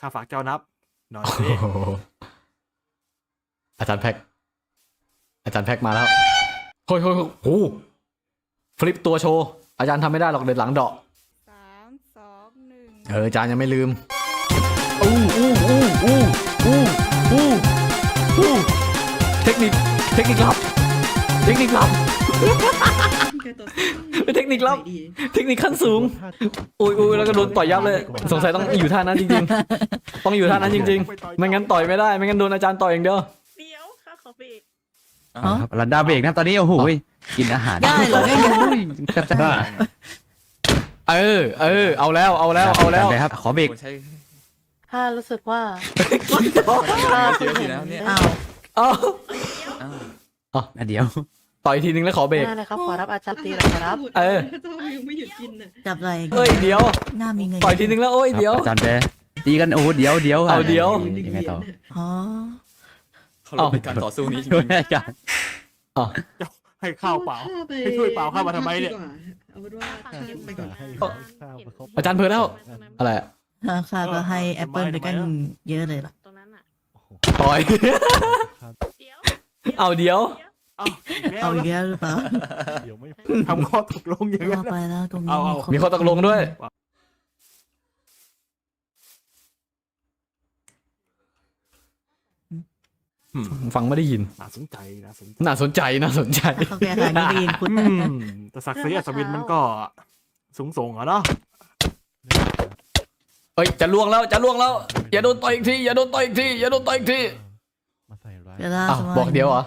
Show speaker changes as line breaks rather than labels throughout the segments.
ข้าฝากเจ้านับหน่อย
โอ้
สิ
โหอาจารย์แพ็กมาแล้วโอ้ยโอ้ฟลิปตัวโชว์อาจารย์ทำไม่ได้หรอกเดินหลังเดาะ
3 2 1
อาจารย์ยังไม่ลืมอู้เทคนิคลับเป็นเทคนิคขั้นสูงอุ้ยแล้วก็โดนต่อยยับเลยสงสัยต้องอยู่ท่านั้นจริงๆต้องอยู่ท่านั้นจริงๆไม่งั้นต่อยไม่ได้ไม่งั้นโดนอาจารย์ต่อยอย่างเดียว
เดี๋ยวข้าขอเบรก
รันดาเบรกนะตอนนี้โอ้โหกินอาหาร
ได้เหรอได้เหรอ
เอาแล้ว
เลยครับขอเบรก
ข้ารู้สึกว่า
ข้าเสียสินะเนี่ย
อ้าว
เดี๋ยว
ต่อยทีนึงแล้วขอเบรก
ได้เลยครับขอรับอาจารย์ตีหน่อยครับ
เจ้ายังไม่หยุดกินน่ะ
จับอะไร
เอ้ยเดี๋ยว
หน้ามีเงิน
ต่อยทีนึงแล้วโอ้ยเดี๋ยว
อาจารย์แปตีกันโอ้เดี๋ยว
เอาเดี๋ยว
ยังไงต่อ
อ๋อ
เขาลงเป็นการต่อสู้นี้จ
ช่วย
ริง
อาจารย์
ให้ข้าวเปล่า ให้ช่วยเปล่าข้ามาทำไมเนี่ย
เอาเป็นว่าเก็บไปก่อน
อาจารย์เพิ่นแล้วอะไรอะ
ข้าก็ให้แอปเปิลไปกันเยอะเลยล่ะ
ตรงนั้นอ่ะ
ต่อย
เดี๋ยว
เอาเดี๋ยว
เอาอีกแล้วหรือเปล่า
ทำข้อตกลงอย่างนั้
ว่าน ไปแล้วตรงนี้
เอา
มีข้อตกลงด้วยฟังไม่ได้ยิน
น่าสนใจนะสนใจ
น่าสนใจ
เขาแก้ไขไม่ได้ยินคุณ
แต่ศักดิ์ศรีอัศวินมันก็สูงส่งอะเนาะ
เอ้ยจะล่วงแล้วอย่าโดนต่อยอีกทีอย่าโดนต่อยอีกที
เวลา
อ้าว
สมัย
บอกเดี๋ยวเหรอ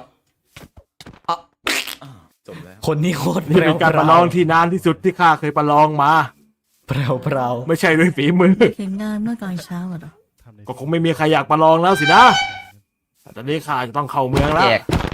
ๆจบแล้ว
คนนี้โคตร
นี่เป็นการประลองที่นานที่สุดที่ข้าเคยประลองมา
เปล่า
ไม่ใช่ด้วยฝีมือ
เห็นงานเมื่อตอนเช้าเหรอ
ก็คงไม่มีใครอยากประลองแล้วสินะแต่ตอนนี้ข้าจะต้องเข้าเมืองแล้ว
แจก